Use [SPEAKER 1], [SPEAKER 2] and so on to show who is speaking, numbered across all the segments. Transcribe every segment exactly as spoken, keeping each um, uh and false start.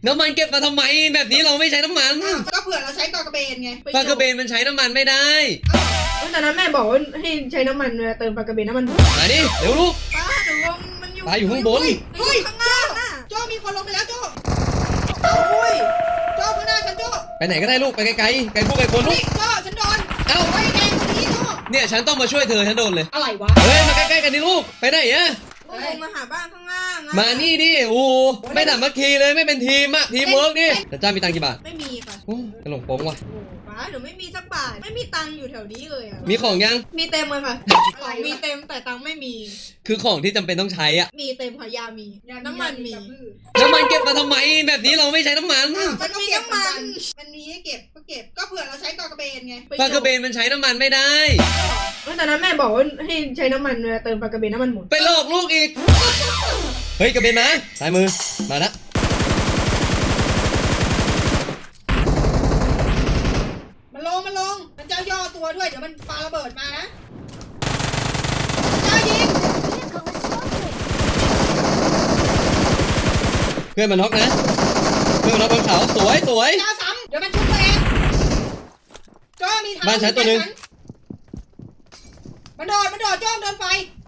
[SPEAKER 1] น้ำมันเก็บมาทำไมแบบนี้เราไม่ใช้น้ำมัน
[SPEAKER 2] ก็เผื่อเราใช้กอกระเบนไง
[SPEAKER 1] ปลากระเบนมันใช้น้ำมันไม่ได้
[SPEAKER 3] ตอนนั้นแม่บอกว่าให้ใช้น้ำมันเวลาเติมปลากระเบนน้ำมัน
[SPEAKER 1] มาดิเร็วลูก
[SPEAKER 3] ป้าหนูว่ามันอยู่
[SPEAKER 1] ปลาอยู่ข้างบน
[SPEAKER 2] เฮ้ย
[SPEAKER 3] ข้าง
[SPEAKER 2] โจ้
[SPEAKER 3] ล่างอ่ะ
[SPEAKER 2] โจ้มีคนลงไปแล้วโจ้โอ้ยโจ้ข้างหน้าฉันโจ้
[SPEAKER 1] ไปไหนก็ได้ลูกไปไกลๆไกลพวกไกลคนลู
[SPEAKER 2] เฮ้ย
[SPEAKER 1] ก
[SPEAKER 2] โจ้ฉันโดน
[SPEAKER 1] เอ้า
[SPEAKER 2] ไอ้แดงตรงนี้โจ้
[SPEAKER 1] เนี่ยฉันต้องมาช่วยเธอฉันโดนเลย
[SPEAKER 2] อะไรวะ
[SPEAKER 1] เฮ้ยมาใกล้ๆกันดิลูกไปไหนอะ
[SPEAKER 3] ลงมาหาบ้านข้างล่างอ่ะ
[SPEAKER 1] มานี่ดิโอ้โหไม่สามัคคีเลยไม่เป็นทีมอะทีมเวิร์กดิแต่จ้ามีตังค์กี่บาท
[SPEAKER 3] ไม่มีค่ะ
[SPEAKER 1] โอ้กระหลงโป้งว่ะ
[SPEAKER 3] โอ้ป้าหนูไม่มีสักบาทไม่มีตังค์อยู่แถวนี้เลยอ่ะ
[SPEAKER 1] มีของยัง
[SPEAKER 3] มีเต็มเลยค่ะของมีเต็มแต่ตังค์ไม่มี
[SPEAKER 1] คือของที่จำเป็นต้องใช้อะ
[SPEAKER 3] มีเต็มค่ะยามีน้ำมันมี
[SPEAKER 1] น้ำมันเก็บมาทำไมแบบนี้เราไม่ใช้น้ำมัน
[SPEAKER 2] มันก็เก็บเหมือนกันมันมีให้เก็บก็เก็บก็เผื่อเราใช้กอกระเบนไง
[SPEAKER 1] ปลากระเบนมันใช้น้ำมันไม่ได้
[SPEAKER 3] ตอนนั้นแม่บอกว่าให้ใช้น้ำมันเวลาเติมปลากระเบนน้ำมันหมด
[SPEAKER 1] ไปหลอกลูกอีกเฮ้ยกระเบนมาซ้ายมือมาละ
[SPEAKER 2] มันลงมันลงมันจะย่อตัวด้วยเดี๋ยวมันปาระเบิดมานะจ้ายิง
[SPEAKER 1] เพื่อนมันน็อกนะเพื่อนมันน็อกบนเขาสวยสวย
[SPEAKER 2] จ้าซ้ำเดี๋ยวมันชุบตัวเองจ้ามีทาง
[SPEAKER 1] บ้านฉันตัวหนึ่ง
[SPEAKER 2] มันโดดมันโดดจ้องโดนไฟ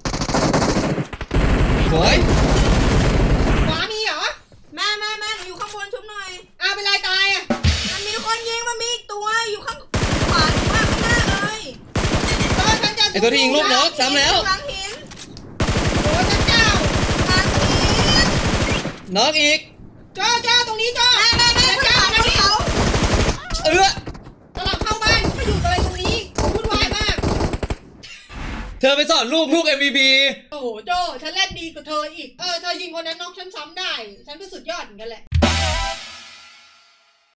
[SPEAKER 1] สวย
[SPEAKER 2] ขวามีเหรอ
[SPEAKER 3] แม่แม่แม่หนูอยู่ข้างบนชุบหน่อย
[SPEAKER 2] อ้าวเป็นไรตายอ่ะ
[SPEAKER 3] มันมีคนยิงมันมีอีกตัวอยู่ข้างขวาข้างหน้าเลย
[SPEAKER 2] จ้าฉันจะ
[SPEAKER 1] ไอตัวที่ยิงลูกน็อกซ้ำแล้ว
[SPEAKER 3] หลังหิน
[SPEAKER 2] โอ้ฉันเจ้า
[SPEAKER 3] หลังหิน
[SPEAKER 1] น็อกอีก
[SPEAKER 2] จ้าจ้าตรงนี้จ้า
[SPEAKER 3] แม่แม่แม่
[SPEAKER 2] ฉัน
[SPEAKER 3] เจ้า
[SPEAKER 2] เจ้า
[SPEAKER 3] เขา
[SPEAKER 2] ตรงนี้
[SPEAKER 3] เขา
[SPEAKER 1] เออ
[SPEAKER 2] สลับเข้าบ้านมาอยู่อะไรตรงนี้วุ่นวายมาก
[SPEAKER 1] เธอไปสอนลูกลูก เอ็ม วี พี
[SPEAKER 2] โอ้โหโจฉันเล่นดีกว่าเธออีก เออ เธอยิงคนนั้นน็อกฉันซ้ำได้ ฉันก็สุดยอดเหมือนกันแหละ